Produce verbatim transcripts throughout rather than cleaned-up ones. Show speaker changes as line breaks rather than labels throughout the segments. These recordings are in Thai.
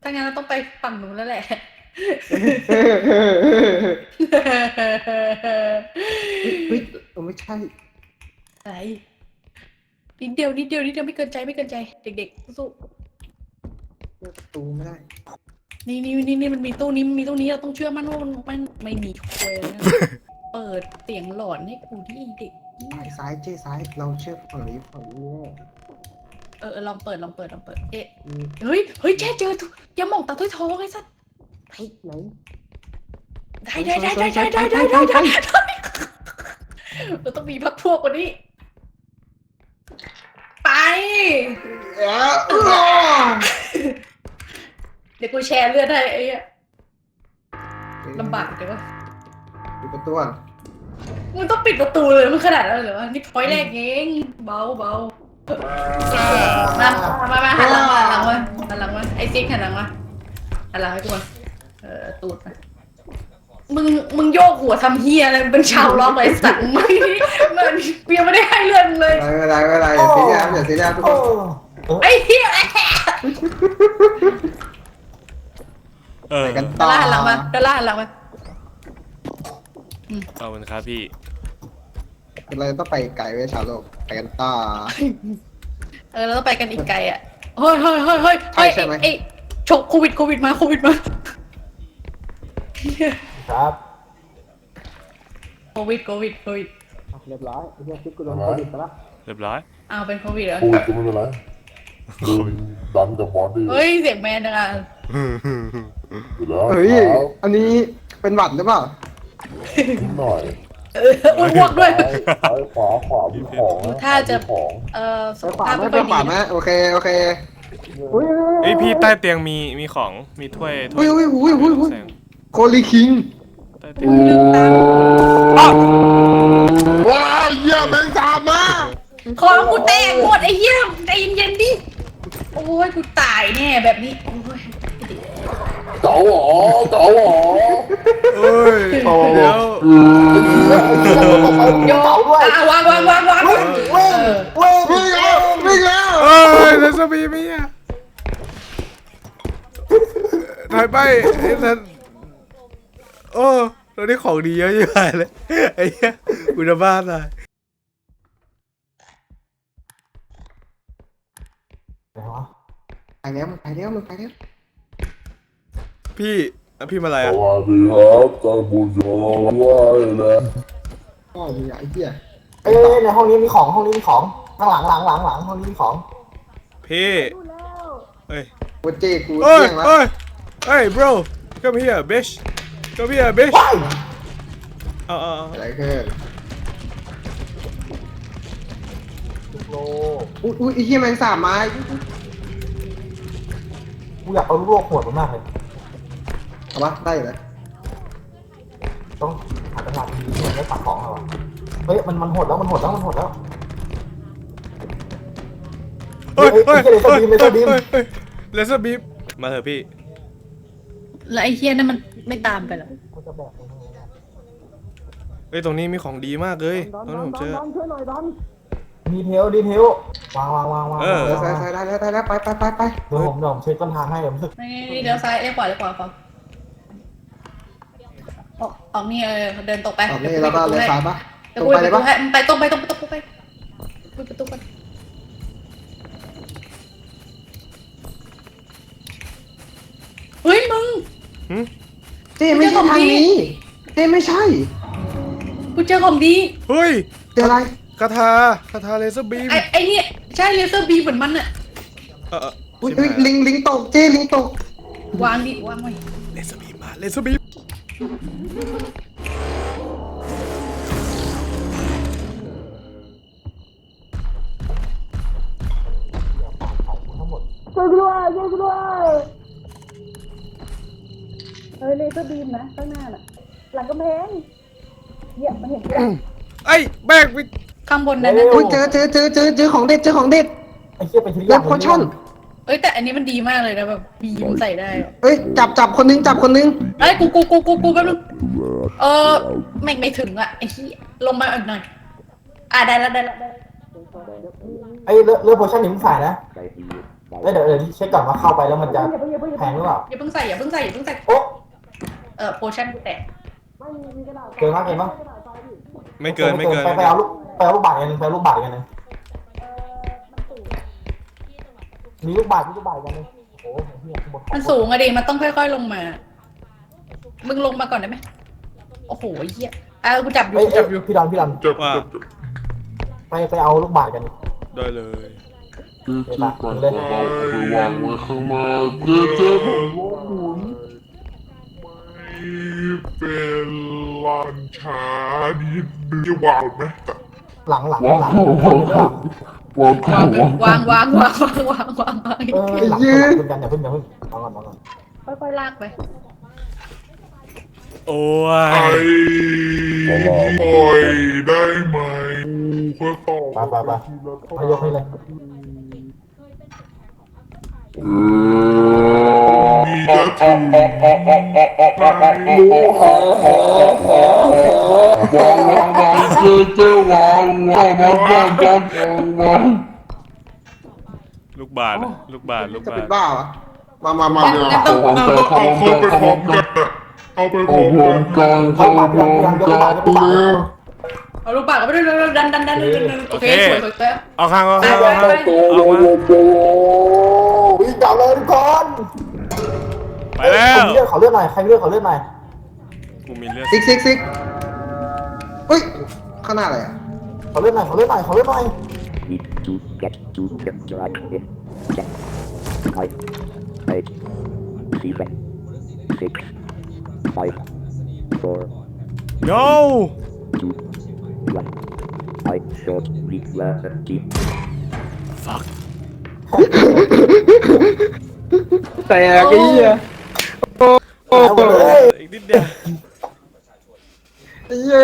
างั้นเราต้องไปฝั่งนู้นแล้วแหละ
เฮ้ยเฮ้ยไม่ใช่
อะไรนิดเดียวนิดเดียวนิดเดียวไม่เกินใจไม่เกินใจเด็กๆสู้
เปิดประตูไม่ได้
นี่นี่นี่นี่มันมีตู้นี้มีตู้นี้เราต้องเชื่อมั่นว่ามันมันไม่มีควยนะเปิดเสียงหลอนให้กูที่เด็ก
ซ้ายซ้ายเจ๊ซ้ายเราเชื่อฝั่งนี้ฝั่งนี้
เออลองเปิดลองเปิดลองเปิดเอ๊ะ
อืม
เฮ้ยเฮ้ยแช่เจออย่ามองตาถ้วยทองไอ้สัส
เฮ้ยไหน
ได้ได้ได้ได้ได้ได้ได้ได้ได้เราต้องมีพักพวกกว่านี้ไปเดี๋ยวกูแชร์เลือดให้ไอ้เหี้ยลำบากเดี๋ยว
ปิดประตูก่อน
มึงต้องปิดประตูเลยมันขนาดนั้นเลยวะนี่พอยแรกเองเบาเบามามามาหันหลังมาหันหลังมาหันหลังมาไอ้ซิกหันหลังมาหันหลังให้กูมาเออตูดมามึงมึงโยกหัวทำเฮียอะไรเป็นชาวล็อกเลยสัตว์มึงมันเปียไม่ได้ให้เรื่องเลย
ไม่เป็นไรไม่เป็นไรอย่าซีเรียสอย่าซีเรียสทุกคน
ไอ้เฮีย
เออ
กัน
ด
ต่
อ
อ
ลลาร์หันหลังมาดอลลาร์หันหลังมา
ขอบคุณครับพี่
เราต้องไปไกลไว้ชาวโลกไปกันต่อ
เออเราต้องไปกันอีกไกลอ่ะเฮ้ยเฮ้ยเฮ้ยเฮ้ยเฮ้ยไอ้ฉกโควิดโควิดมาโควิดมา
ครับ
โควิดโควิดโควิด
เรียบร้อยเรียบร้อยกูโดนโควิดไปแล้ว
เรียบร้อย
อ้าวเป็นโควิดเหรอ
โควิดก็ไม่เป็นไรดึงดันกับบอดี้
เฮ้ยเสียงแมนจังอ่ะ
อยู่แล้ว
เฮ้ย
ครับ
อันนี้เป็นหวัดหรือเปล่า
นิดหน่อย
เอออ้วนพวกด้วย
ซ้ายขวาขวามีของนะ
ถ้าจะ
มีของ
เออสุ
ไป
ข
ขวา
ภาพ
ไหม
ไม่
ไป
ค่อยดี
ขวาไหมโอเคโอเคอุ้ย
เอ้ยพี่ใต้เตียงมีมีของมีถ้วยถ้ว
อุ้
ย
ยอุ้ยอุ้ยอุ้ยอุ้ย
แสง
โคลีคิง
ใต้เตียง
ลืมตา
ว้าวเยี่ยมเป็นสามมา
คอกูแตกหมดไอ้เหี้ยใจเย็นๆดิโอ้ยกูตายแน่แบบนี้โอ้ย
เก๋าหรอเก๋าหรอ
เอ้ยเดี๋ยว
โยอ่ะวางวางวางวางเออ
วิ่งแล้ววิ่งแล้ว
เอ้ยเลสบีมีอ่ะถ่ายไปไอ้นั่นโอ้เราได้ของดีเยอะอยู่เลยไอ้เหี้ยอุณบ้านเลย
ไปแล้วมันไปแล้วมันไปแล้ว
พี่อ่ะพี่มาอะไร
ส
อ่ะ
วัสดีครับท่านผู้ชมว่าเลย
พ่อมีไอ้เหี้ย
เอ้ยในห้องนี้มีของห้องนี้มีของข้างหลังหลังหลังหลังห้องนี้มีของ
พี่เฮ้ย
กูเจ๊กู
เฮ้ย
เที่ยงแล้ว
เฮ้ยเฮ้ย bro come here bitch come here bitch เอาเอาเอา
อะไรขึ้น
ลูกโล
อุ้ยอุ้ยไอ้เหี้ยแมงสาบไม้
กูอยากเอาลูกโลกหวดมันมากเลย
เอาปะได้อยู่แล้ว
ต้องหาตลาดดีๆแล้วตัดของเอาอะเฮ้ยมันมันหดแล้วมันหดแล้วมันหดแล้ว
เฮ้ยเฮ้ย
เฮ้
เฮ้
ย
ย
เลเซอร์บีมเลเซอร์บีม
เฮ้ยเลเซอร์บีมมาเถอะพี่
แล้วไอ้เหี้ยนั่นมันไม่ตามไปหรอ
กูจะแบกตรงนี้นะ
เฮ้ยตรงนี้มีของดีมากเลยตรงนี้ผมเจอ
ดีเทลดีเทลวางวางวางวาง
เออ
ใส่ใส่ได้แล้วได้แล้วไปไปไปไป
เดี๋ยวผมเดี๋ยวผมเช็คต้นทางให้เดี๋ยวผมรู้สึก
นี่เดี๋ยวซ้ายเลี้ยวขวาเลี้ยวขวาขวาออกออกนี่เออเดินตกไป
ตอนนี้เราก็เลยสายปะ
เดี๋
ต
ยว
รง
กู
ไป
ไป
เลย
ตรง
ปะ
ไปตรงไปตรงไปตรงไปปิดประตูไปเฮ้ยมึง
เจ๊ไม่ใช่ทางนี้เจ๊ไม่ใช่
กูเจอของดี
เฮ้ย
เจออะไร
คาถาคาถาเลเซอร์บีม
ไอ้ไอ้เนี่ยใช่เลเซอร์บีเหมือนมันอะ
เออเออ
อุ้ยอุ้ยลิงลิงตกเจ๊ลิงตก
วางดิวางไว้
เลเซอร์บีมมาเลเซอร์บีม
ทั้งหมด
ช่วยกูด้วยช่วยกูด้วยเฮ้ยเลเซอร์บีมนะข้างหน้าน่ะหลังกำแพงเหยียบมันเห็นไหม
ไอ้แบกไป
ข้างบนนั้นนะ
อุ้ยเจอเจอเจอเจอเจอของเด็ดเจอของเด็ด
ไอ้เชี่ยเป็นชิ้น
เล็บคอชั่น
เอ้ยแต่อันนี้มันดีมากเลยนะแบบบีมใส่ได้อะ
เอ้ยจับจับคนนึงจับคนนึง
เอ้ยกูกูกูกูกูแป๊บนึงเออไม่ไม่ถึงอะไอ้ที่ลงมาอีกหน่อยอ่ะได้แล้วได้แล้วได้แล้ว
ไอ้เลือดเลือดโพชั่นนี่มึงใส่นะ
ใจดีใจ
เอ้ยเดี๋ยวเดี๋ยวเช็คก่อนว่าเข้าไปแล้วมันจะแพงหรือเปล่า
อย่าเพิ่งใส่อย่าเพิ่งใส่อย่าเพิ่งใส่
โอ๊ะ
เออโพชั่นกูแตก
เกินมากเกินมาก
ไม่เกินไม่เกิน
ไปไปเอาลูกไปเอาลูกบาศก์กันหนึ่งไปเอาลูกบาศก์กันหนึ่งมีลูกบาศก์มีลูกบาศก์กันหนึ่งโอ้โหเหี้ยข้างบ
มันสูงอะดิมันต้องค่อยๆลงมา มึงลงมาก่อนได้ไหมโอ้โหเหี้ยอ่ะกูจับอยู่
เอ้ย
กู
เอ้
จั
ย
บอยู่
พี่ดอนพี่ดอน
เจ็บ
ว่า
เจ็บเจ็บ
ไปไปเอาลูกบาศก์กัน
ได้เลย
คือคือก่อนจะเอาไปวางไว้ข้างหน้าเจ๊เจ๊ผมว่าหมุนไม่เป็นลันช้านิดนึงจะวางไหม
หลังหลัง
วาง
หลัง
วางวางวาง
วางวางวางวางวางวางวาง
เออหลังหลังคุณกันอย่าเพิ่งอย่าเพิ่งเอาก่อนเอาก่อน
ค่อยๆลากไป
โอ้
ไอ้
ย
ปล่อยได้ไหมกูก็ตอบ
ไปไปไปมายกให้เลย
เออมีจะถึงหมูหอหอหอวางวางวางเจ๊เจ๊วางวางวางวางวางวาง
ลูกบาศก์นะลูกบาศก์ลูก
จะ
บา
เป็
ศ
น
ก์
บ้าเหรอมามามา
งั้นต้อง
เอาไปพร้อมกันเอาไปพร้อมกันเอาไปพร้อมกันเอาไปพร้อมกันเลย
เอาลูกปากก็ไปด้วยดันดันดันดันดันโอเคสวยสวยสวย
เอาข้างเอาข้าง
ไป
เอา
ไป
ข้าง
ไป
เอามา
วิ่งจับเลยทุกคน
ไปแล้ว
เลือดเขาเลือดหน่อยใครเลือดเขาเลือดหน่อย
กูมีเลือด
ซิกซิกซิกอุ้ยข้างหน้าอะไรอ่ะ
เขาเลือดหน่อยเขาเลือดหน่อยเขาเลือดหน่อย
Need to get to the right in check. Five, eight, seven, six, five, four,
no
two, one. I shot reality.
fuck
แต่ไอ้เหี้ย
เอาหมดเลย
อีกนิดเดียว
ไอ้เหี้ย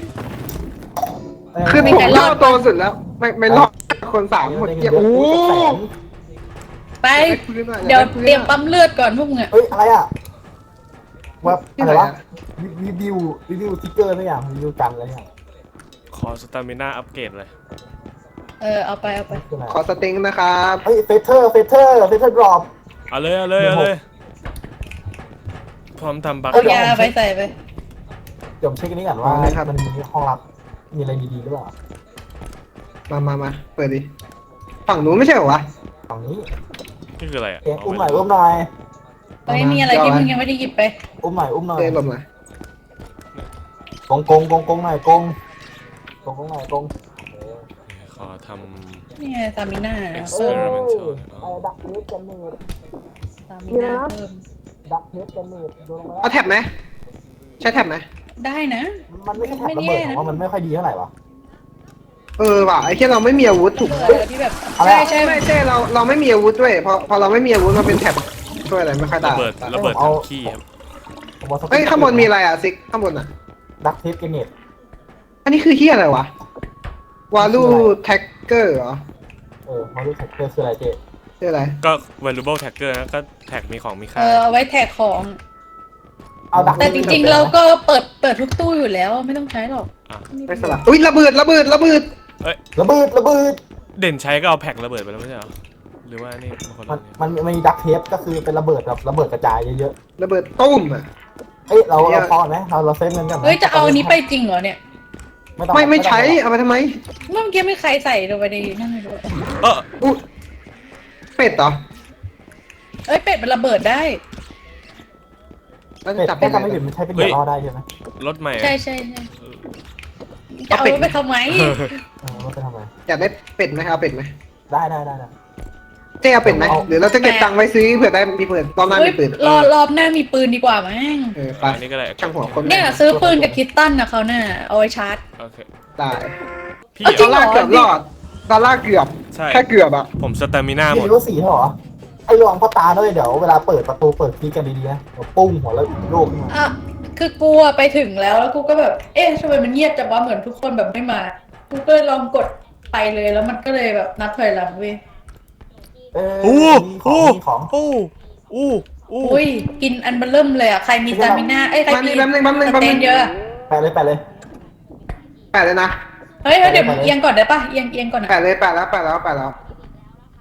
คือผมเข้าโตสุดแล้ว ไม่ไม่รอดคนสามหมดเกียร์โอ้
ไปเดี๋ยวเตรียมปั๊มเลือดก่อนพวกมึงอะ
เฮ้ยอะไรอ่ะว่าอะไรวะรีวิวรีวิวติ๊กเกอร์อะไรอย่างรีวิวกันอะไรอย่าง
ขอสตามิน่าอัปเกรดเลย
เออเอาไปเอาไป
คืออะไร
ขอสเต็งนะครับ
เฮ้ยเฟเธอร์เฟเธอร์เฟเธอร์ดรอป
เอาเลยเอาเลยเอาเลยพร้อมทำบัค
เอายาไปใส่ไป
เดี๋ยวผมเช็คอันนี้ก่อนว่ามันมีห้องรับมีอะไรดีๆหรือเปล่า
มามามาเปิดดิฝั่งนู้นไม่ใช่เหรอวะ
ฝั่งนี้
นี่คืออะไรอ่ะ
เอ็งอุ้มหน่อยอุ้มหน่อย
เฮ้ยมีอะไรที่มึงยังไม่ได้หยิบไป
อุ้มหน่อยอุ้มหน่อย
เดินหลบหน่อย
กงกงกงกงหน่อยกงกงกงหน่อยกง
ขอท
นี่ไงซามิน่า
ำ
เพิ่ม
experimental
ไอ้ดักเทสกันเนต
ซามิน่าเพิ่ม
ดักเทสกันเนตโดนลงมา
เอาแท็บไหมใช้แท็บไหม
ได้นะ
มันไม่ใช่แท็บระเบิดของว่ามันไม่ค่อยดีเท่าไหร่วะ
เออว่ะไอ้แค่เราไม่มีอาวุธถูก
เออที่แบบ
อะไร
ใช่
อะ
ใช่
ไม่ใช่เราเราไม่มีอาวุธด้วยพอพอเราไม่มีอาวุธมาเป็นแท็บช่วยอะไรไม่ค่อยได้
ระเบิดระเบิดทำขี้ครับ
ผมว่าส
เฮ้ยข้างบนมีอะไรอ่ะซิกข้างบนอ่ะ
ดักเทสกันเนต
อันนี้คือเฮียอะไรวะวาลูแท็กเกอร์เหรอ
เออมาดูแท็กเกอร์คืออะไรเจ๊
คืออะไร
ก็ valuable tagger นะก็แท็กมีของมี
เอ
ค่า
อเอาไว้แท็กของ
เอาดัก
แต่จริงๆเราก็เปิดเปิดทุกตู้อยู่แล้วไม่ต้องใช้หรอก
อ่ะ
ไม่สลับอุ้ยระเบิดระเบิดระเบิด
ระเบิดระเบิด
เด่นใช้ก็เอาแพ็กระเบิดไปแล้วไม่ใช่เหรอหรือว่านี่มันคน
มั
ละ
น
เนี่ย
มันมันมีดักเทปก็คือเป็นระเบิดแบบระเบิดกระจายเยอะ
ระเบิดตุ้มอ่ะ
ๆเอ้ยเราเราพอไหมเราเราเซฟเงินกันไหม
เฮ้ยจะเอาอันนี้ไปจริงเหรอเนี่ย
ต้อง
ไม่ไม่ใช้เอาไปทำไม
เมื่อกี้ไม่ใครใส่ลงไปในนั่นเลยด้วย
เออ
อุ๊ยเป็ดเหรอ
เอ้ยเป็ดมันระเบิดได้
แล้ว
เป็ด
จับ
แค่
เป็ด
ทำไม่ผิดมันใช้เป็นเดือดรอได้ใช่ไหม
รถใหม่
ใช่ใช่ใช่จะเอาไปทำไม
เออมันไปทำไม
อยากได้เป็ดไหมเอาเป็ดไหม
ได้ได้ได้ได้
เจ๊เอาเป็ดไหมหรือเราจะเก็บตังค์ไว้ซื้อเผื่อได้มีปืนตอนหน้า
เฮ้ย
มีปืน
รอรอบหน้ามีปืนดีกว่ามั้ง
เออไป
อันนี้ก็ได้
ช่างหัวคน
เนี่ยซื้อปืนกับคิตตันนะเขาน่ะเอาไว้ชาร์จ
โอเค
ได้
พี่
เอาจริ
ดอง ล
เหร
ลาร์เกือบรอดดอลลาร์เกือบ
ใช่
แค่เกือบอ่ะ
ผมสตามิน่าหม
พี่
ด
รู้ว่าสีเหรอไอ้รองพ่อตาด้วยเดี๋ยวเวลาเปิดประตูเปิดคีย์กันดีๆนะเดี๋ยวปุ้งหัวแล้วโลกขึ้นมา
อ่ะคือกูอะไปถึงแล้วแล้วกูก็แบบเอ๊ะทำไมมันเงียบจังวะเหมือนทุกคนแบบไม่มากูก็เลยลองกดไปเลยแล้วมันก็เลยแบบนับถอยหลังเว้ย
เออ
โอ้
มีข
โอ้
องมีของ
โอ้โอ้โอ้
อุ้ยกินอันเบลเริ่มเลยอ่ะใครมีสตามิน่าเอ้ยใคร
แป๊บ
มี
นึงแป๊บนึงแป๊บนึง
ส
แป๊บ
เต
นึ
น
ง
เยอะ
แปะเลยแปะเลย
แปดเลยนะ
เฮ้ยเฮ้ยเดี๋ยวมึงเอียงก่อนได้ปะเอียงเอียงก่อน
แป
อ่ะ
ดเลยแปดแล้วแปดแล้วแปดแล้ว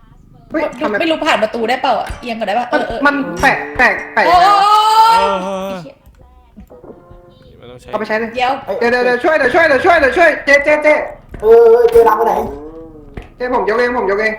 เฮ้ยทำไม
ไม่รู้ผ่านประตูได้เปล่าอ่ะเอียงก็ได้ป่ะเอ
มัน
อเออ
มันแปะแปะแปะ
โอ้
ยังไงวะ
เออไม่ต้องใช้
เอาไปใช้เลย
เดี๋ยว
เดี๋ยวเดี๋ยวเดี๋ยวช่วยเดี๋ยวช่วยเดี๋ยวช่วยเดี๋ยวช่วยเจ๊เจ๊เจ๊
เออเจรังไปไหน
เจ๊ผมยกเองผมยกเอง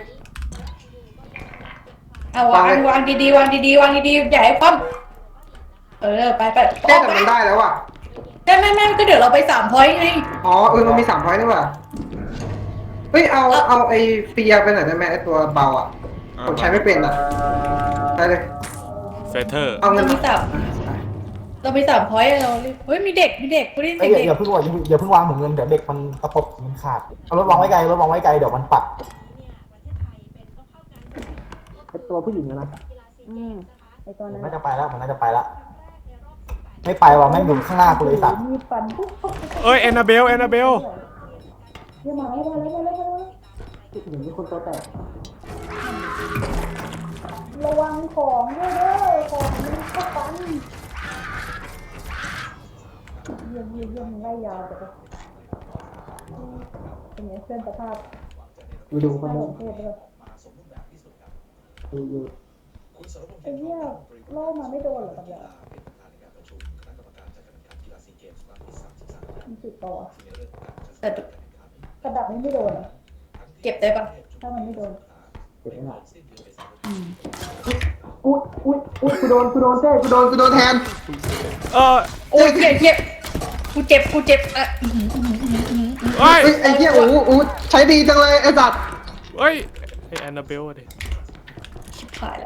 เอาวางวางดีๆวางดีๆวางดีๆอย่าให้คว่ำเออไปไป
เจ๊แต่มันได้แล้วอ่ะ
ได้แม่แม่ก็เดี๋ยวเราไปสามพอยต์ไง
อ๋อเออมันมีสามพอยต์นี่หว่าเฮ้ยเอาเอาไอ้เฟียร์ไปหน่อยได้ไหมไอ้ตัวเบาอ่ะผมใช้ไม่เป็นอ่ะได้เลย
เฟเธอร์
เอาเงิน
เรามีสามเรามีสามพอยต์เราเฮ้ยมีเด็กมีเด็กกูได้ยิน
เอ้
เสี
ย
ยง
อย่า
เด็ก
อย่าเพิ่งวางอย่าเพิ่งวางเหมือนเงินเดี๋ยวเด็กมันตะปบมันขาดเอารถวางไว้ไกลรถวางไว้ไกลเดี๋ยวมันปัดตัวผู้หญิงนะ
อืมไอตัวนั้น
น่าจะไปแล้วมันน่าจะไปแล้วไม่ไปว่ะแม่งอยู่ข้างหน้ากูเลยสัตว์
มีฟันปุ๊บปุ๊บปุ๊บ
เอ้ยแอนนาเบลแอนนาเบล
เดี๋ยวมาแล้วมาแล้วมาแล้วมาแล้ว
ผู้หญิงมีคนตัวแตก
ระวังของด้วยเด้อของมันเข้าฟันเยี่ยมเยี่ยมเยี่ยมไล่ยาวแต่ก็เป็นไงเพื่อนสภาพ
ดูดูคน
น่า
นึ
ส
ง
นเทศเลย
ดูดู
ไอ้เหี้ยโล่มาไม่โดนเหรอกับเรามันติดต่อแต่กระดับนี้ไม่โดนเหรอเก็บได้ปะถ้ามันไม่โดน
เจ็บไหมล่ะอุ้ยอุ้ยอุ้ยกูโดนกูโดนเจ๊
กูโดนกูโดนแทน
เออ
โอ้ยเจ็บเจ็บกูเจ็บกูเจ็บอ่ะอื้อหืออื้อหืออื้อหืออื้อหือ
เฮ้ย
เฮ้ยไอ้เหี้ยอูอูใช้ดีจังเลยไอ้สัตว์
เฮ้ยไอแอนนาเบลอะดิ
ชิบหายแล้ว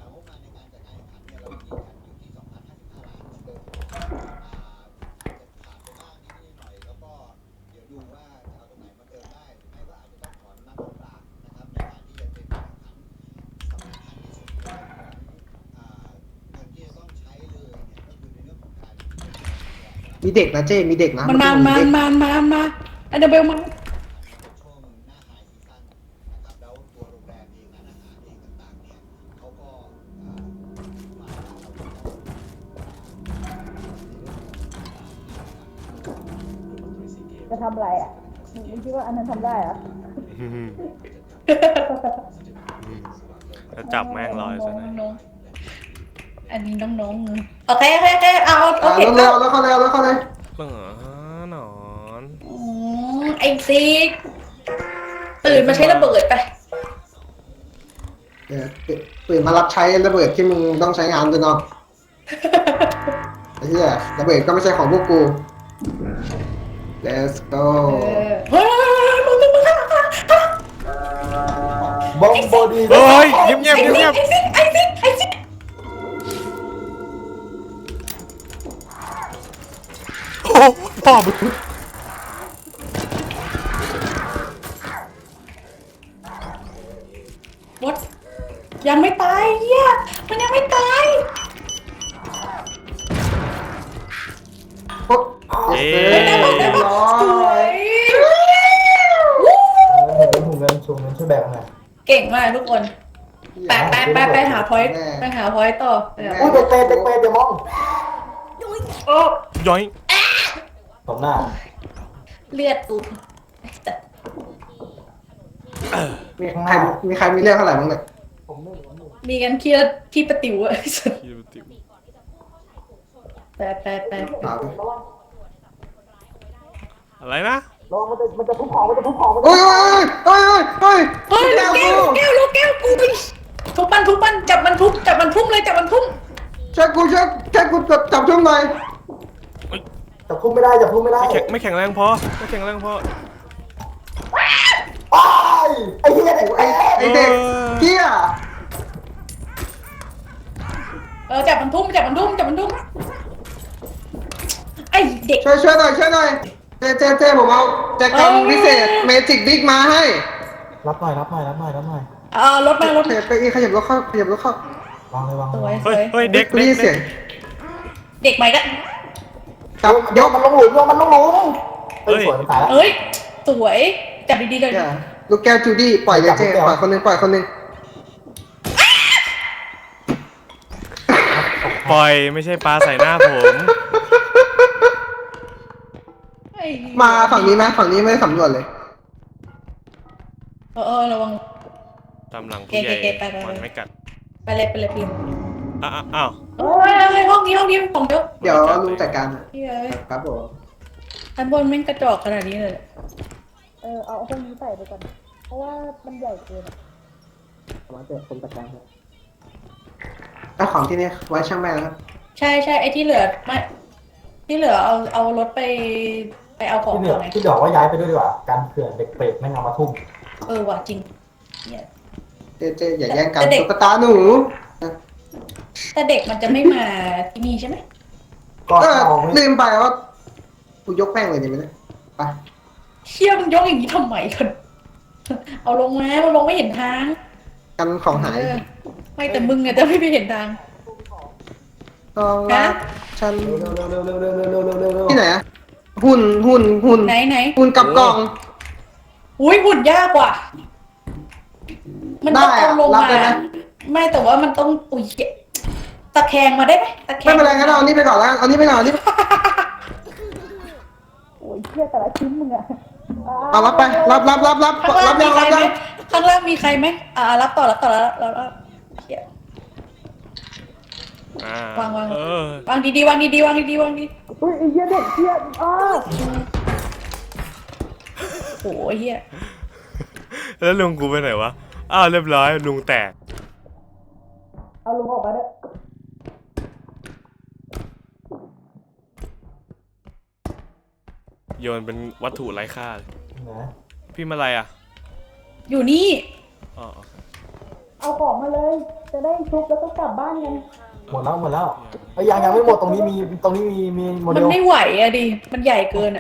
มีเด็กนะเจ้มีเด็กนะ
มันมา
เด็
มาก มามามาอันเดอร์เบลมาจะทำอะไรอ่ะมึงคิดว่าอันนั้นทำได้เหรอ
จะจับแม่งลอยซะหน่อย
น้องๆอันนี้น้องๆโอเคโอเคโอเคเอาโอ
อ่า
เค
เร็วๆแล้วเข้าเร็วแล้วเข้าเลย
เออหนอน
อืมไอ้ซิกตื่นมาใช้ระเบิดไป
เดี๋ยวตื่นมารับใช้ระเบิดที่มึงต้องใช้งานด้วยเนาะไอ้เหี้ยระเบิดก็ไม่ใช่ของพวกกู let's go
เฮ้ยมึงมึงมึงข้างหลังข้างหลังข้างหลัง
บอมบอดี้
เฮ้ยเงียบเงียบเงียบเงียบ
ไอ้ซิกไอ้ซิกไอ้ซิก
โอ้พ่อมึง
วดยังไม่ตายเฮียมันยังไม่ตาย
โอ๊ะ
เอ๊
เรียบ
ได้ปะได้ปะ
ร้อ
สวย ย
ถุงเงินถุงเงินช่วยแบกหน่อย
เก่งมากทุกคนไปไปไปไปหาพอยต์ไปหาพอยต์ต่อไปหา
อุ้ยเด็กเปรตเด็กเปรตเดี๋ยวมอง
โอ้
ย้อย
ตบหน้า
เลือดกูแต่
มีใครมีใครมีเรื่องเท่าไหร่บ้างเนี่ย
ผมไม่รู้
มีกันเครียดที่ประติวอะ
ยี่สิบติ๋ว
ไปไปไป
เอา
อะไรนะ
ระวังมันจะมันจะทุบของมันจะทุบของมันจะ
โอ้ยโอ้ยโอ้ยโอ้ยโอ้ย
เฮ้ยลูกแก้วลูกแก้วลูกแก้วกูไปทุบมันทุบมันจับมันทุบจับมันทุ่มเลยจับมันทุ่ม
ช่วยกูช่วยช่วยกูจับจับช่วงหน่อย
จับทุ่มไม่ได้จับทุ่มไม่ได้
ไม่แข็งไม่แข็งแรงพอไม่แข็งแรงพอ
อ้ายไอ้เหี้ยเด็กเปร
ไอ้
ต
ไอ้เด็กเหี้ย
เออจับมันทุ่มจับมันทุ่มจับมันทุ่มไอเด็ก
ช่วยช่วยหน่อยช่วยหน่อยเจเจเจผมเอาแจกันพิเศษเมจิกบิ๊กมาให้
รับหน่อยรับหน่อยรับหน่อยรับหน่อย
เออรถมารถ
ขยับไปอีกขยับรถเข้าขยับรถเข้าว
างเลยวาง
ส
เล
วย
ย
ส
เฮ้
วย ย
เฮ้ยเด็ก
กู
เด็
ได้
ก
ยินเสียง
เด็กใหม่ก็
จับย
โย
ก
กมันลงหลุมโยกมันลงหลุมเฮ้ยสวยมันตายแล้ว
เอ้ยสวยจับดีๆเลย
อย่าลูกแก้วจูดี้ปล่อยเลยเจปล่อยคนหนึงปล่อยคนหนึง
ปล่อยไม่ใช่ปลาใส่หน้าผม
ไอ้
มาฝั่งนี้ไหมฝั่งนี้ไม่ได้สำรวจเลย
เออเออระวัง
ตามหลัง
เก
ผู้ใหญ่
เกไปไป
มันไม่กัด
ไปเลยไปเลยพิมพ์
อ้าวอ้าว
โอ้ยห้องนี้ห้องนี้ของเยอะ
เดี๋ยวลุงจัดการ
เฮ้ย
ครับผม
อันบนแม่งกระจอกขนาดนี้เลยเออเอาห้องนี้ใส่ไปก่อนเพราะว่ามันใหญ่เกิน
มาเจอผมจัดการครับแล้วของที่นี่ไว้ช่างแม่นะครับ
ใช่ใช่ไอ้ที่เหลือไม่ที่เหลือเอาเอารถไปไปเอาของ
ที่เหลื
ก่
อ
อนไง
ที่เหลือว่าย้ายไปด้วยดีกว่าการเผื่อเด็กเปรตไม่งเอามาทุ่ม
เออว่ะจริงเนี่ย
เจเจอย่าแย่งกัน
แต่เด็ก
ตุ๊กตาหนู
แต่เด็กมันจะไม่มาที่นี่ใช่ไหม
ก็
เออ
เอาไม่
ลืมไปว่ากูยกแป้งเลยดีไหมเนี่ยไป
เชี่ยมึงยกอย่างนี้ทำไมกันเอาลงมามันลงไม่เห็นทาง
กันของหาย
เออไม่แต่มึงอะจะไม่ไปเห็นทาง
ต้องรัก
ฮะ
ฉัน
เร็วเร็วเร็วเร็วเร็วเร็วเร็วเร็วเร็วเร็ว
ที่ไหนอะหุ่นหุ่นหุ่น
ไหนไหน
หุ่นกับกล่อง
อุ้ยหุ่นยากกว่า มันต้อง
ได้
เอา
อะ
ลง
รับ
มา
ได้ไหม
ไม่แต่ว่ามันต้องอุ้ยตะแคงมาได้ไหมตะแคง
ไม่เป็นไรงั้นเอาอันนี้ไปก่อนแล้วกันเอาอันนี้ไปก่อนเอาอันนี้
โอ้ยเชี่ยแต่ละชิ้นมึงอะ
เอารับไปรับรับรับรับ
ข้างล่า
รั
ง
บ
มี
ยัง
ใคร
รับ
ไหม
ยัง
ข้างล่างมีใครไหมอ่ารับต่อรับต่อแล้วแล้วแล้วเชี่ย
อ่าว
างวาง
เออ
วางดีๆวางดีๆวางดีๆวางดีอุ้ยไอ้เหี้ยเด็กเหี้ยอ้าโอ้ยเหี้ย
แล้วลุงกูไปไหนวะอ้าวเรียบร้อยลุงแตก
เอาลุงออกมาด้วย
โยนเป็นวัตถุไร้ค่าเลย
นะ
พี่มาอะไรอ่ะ
อยู่นี่
อ๋อโอเค
เอาของมาเลย จะได้ชุบแล้วก็กลับบ้านกัน
หมดแล้วหมดแล้วไอ้ยยังยังไม่หมดตรงนี้มีตรงนี้มีมีโม
มั
เด
น
ล
ไม่ไหวอะดิ มันใหญ่เกินอะ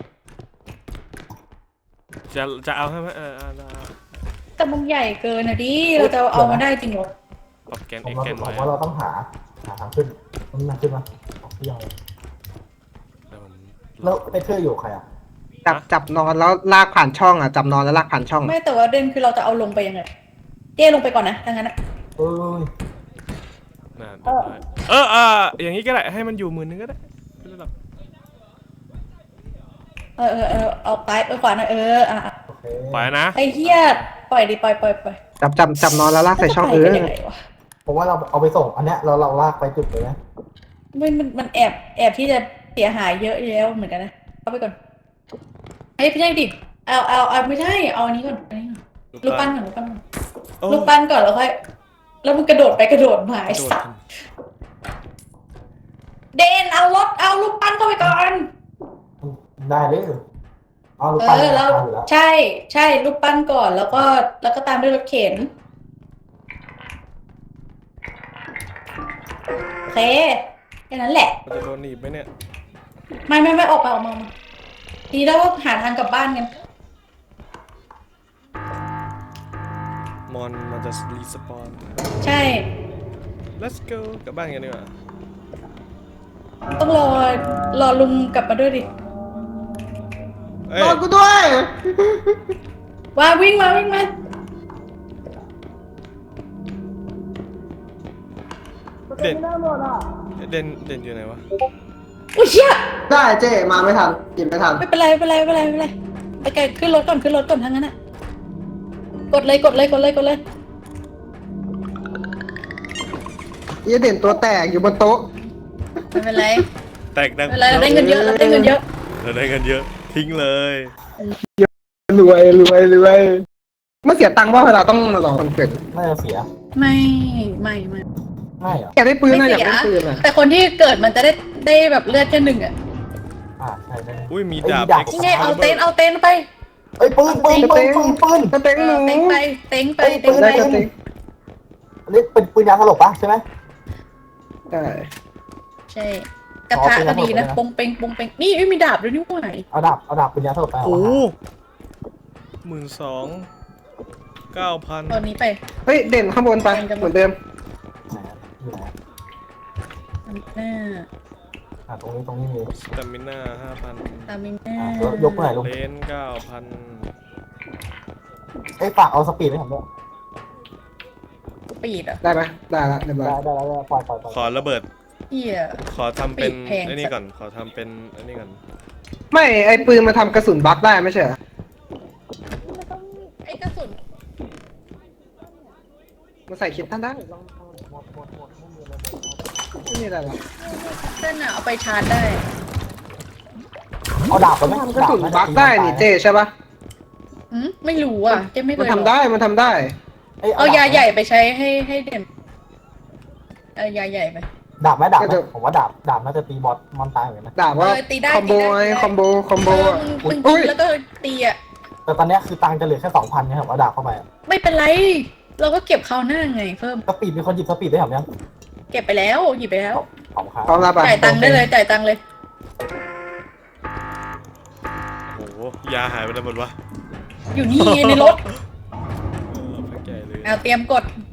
จะจะเอาให้ไหมเออเอาเอาเอา
แต่มันใหญ่เกินอะดิ เราจะเอามาได้จริงเหรอ
ปรับแกน
ผ
เอ็
ม
ก
ว่า
แกน
ผ
ไว้
มว่าเราต้องหาหาทางขึ้นมันมีทางขึ้นไหมออกที่ยัง
เดี๋ยวผม
แล้วไอ้เธออยู่ใครอ่ะ
จับจับนอนแล้วลากผ่านช่องอ่ะจับนอนแล้วลากผ่านช่อง
ไม่แต่ว่าเด่นคือเราจะเอาลงไปยังไงเจ้ลงไปก่อนนะถ้างั้นอะ
เอ้ย
น่ะเรียบร้อยเออเอออย่างนี้ก็ได้ให้มันอยู่หมื่นนึงก็ได้ไม่เป็นไรหรอก
เออเออเออเอาไปเออขวาหน่อยเอออ่ะอ่ะ
โอเค
ปล่อยนะ
ไอ้เหี้ยปล่อยดิปล่อยปล่อยปล่อย
จับจับจับนอนแล้วลากใส่ช่องเอ
จะ
อ
ไปกันยังไงวะ
ผมว่าเราเอาไปส่งอันเนี้ยเราเราลากไปจุดเลยนะ
มันมันมันแอบแอบที่จะเสียหายเยอะแล้วเหมือนกันนะเอาไปก่อนเอ้ยไม่ใช่ดิเอาเอาเอาไม่ใช่เอาอันนี้ก่อนอันนี้ก่อนลูกปั้นก่อนลูกปั้นก่อน
โอ้
ลูกปั้นก่อนแล้วค่อยแล้วมึงกระโดดไปกระโดดมาไอ้
โดด
สัสเดนเอารถเอาลูกปั้นเข้าไปก่อน
ได้เลยเอาลูก
เอ
ปั้น
อแล้ว
เอาอยู่แล้ว
ใช่ใช่ลูกปั้นก่อนแล้วก็แล้วก็ตามด้วยรถเข็นโอเคแค่นั้นแหละ
มันจะโดนหนีบไหมเนี่ย
ไม่ไม่ไม่ออกมาออกมาออกมาทีแล้วก็หาทางกลับบ้านกัน
มอนมันจะรีสปอน
ใช่
let's go กลับบ้านกันดีกว่า
ต้องรอรอลุงกลับมาด้วยดิ
เอ้ย
นอนกูด้วย
ว่าวิ่งมาวิ่งมา
เด่นเด่นเด่นอยู่ไหนวะ
อุ้ยเชี่ย
ได้เจ๊มาไม่ทันกินไม่ทัน
ไม่เป็นไรไม่เป็นไรไม่เป็นไรไม่เป็นไรไปไกลขึ้นรถก่อนขึ้นรถก่อนทั้งนั้นอะกดเลยกดเลยกดเลยกดเลย
เยี่ยเด่นตัวแตกอยู่บนโต๊ะ
ไม่เป็นไร
แตกดัง
ไม่เป็นไรเราได้เงินเยอะเราได้เงินเยอะ
เราได้เงินเยอะทิ้งเลย
รวยรวยรวยไม่เสียตังค์ว่าเวลาต้องรอคนเกิด
น่าจะเสีย
ไม่ไม่ไม่
ไม่เหรอ
อยากได้ปืน
ไม่
นะอยาก
เสีย
ได้ปืนอ่ะ
แต่คนที่เกิดมันจะได้ได้แบบเลือดแค่หนึ่งอะ
อ่าใช่ได้
อุ้ยมี
เอ้ย
ดาบ
มีดาบ
นี่ไงเอาเต็นท์เอาเต็นท์ไป
เอ้ยปืนปืนปืนปืนปืน
สเต็ง
เอ
หนู
อเต็นท์ไปเต็นท์ไป
เอ้ย
เต็นท์
ได้
ไป
สเต็ง
อันนี้เป็นปืนยาสลบปะใช่ไหม
ได้
ใช่กระทะก็ดีนะปงเปงปงเปงนี่ไม่มีดาบด้วยนี่หว่า
เอาดาบเอาดาบปืนยาสลบไปเอา
โอ้
มา
หมื่นสองเก้าพัน
ตอนนี้ไป
เฮ้ยเด่นข้างบนไปเหมือนเดิม
ไหนอะอยู่ไหนอะ
หน้า
อ่าตรงนี้ตรงนี้มี
สตามิน่าห้าพัน
ตามินหน้า
อ่ายกยกไปไหนลุง
เลนเก้าพัน
เอ้ยฝากเอาสปีดให้ผมด้วย
ปีดอ่ะ
ได้ไหมได้ละเรียบร้อย
ได้ได้ได้ปล่อยปล่อยปล่อย
ขอระเบิด
เหี้ย
ขอทำเป็น
ปีกแพง
ไอ้นี่ก่อน ขอทำเป็นไอ้นี่ก่อน
ไม่ไอปืนมาทำกระสุนบั๊กได้ไม่ใช่เหรอ
ไอ้กระสุน
มาใส่คิดท่านได้
หมดหมดหมดไม่มีอะไรเลย
ไม่มีอะไรหรอก
เส้นอ่ะเอาไปชาร์จได้
เอาดาบไปไหม
มันก็ถูกบั๊กได้นี่เจใช่ปะ
อืมไม่รู้อ่ะเจ๊ไม่เค
มัน
ย
ทำได้มันทำได้
เอายาใหญ่ไปใช้ให้ให้เด่นเอายาใหญ่ไป
ดาบไหมดาบไหมผมว่าดาบดาบน่าจะตีบอสมอนตายเหมือนกันนะ
ด่าว่า
เออตีได้
คอมโบ
ตีได้
ไงคอมโบคอมโบ
เออ
อะ
มึงมึง
อุ้
ยิ
ย
งแล้วก็ตีอ่ะ
แต่ตอนเนี้ยคือตังค์จะเหลือแค่สองพันเนี่ยผมเอาดาบเข้าไปอะ
ไม่เป็นไร เราก็เก็บเขาวหน้าไง เพิ่ม
สปีดมีคนหยิบสปีดได้หรือยัง
เก็บไปแล้วหยิบไปแล้ว
ของครับ
พร้อมรับอ่ะ
จ่ายตังค์ได้เลยจ่ายตังค์เลย
โอ้โหยาหายไปไหนหมดวะ
อยู่นี่ในรถ
เออไปแก่เลย
เอาเตรียมกด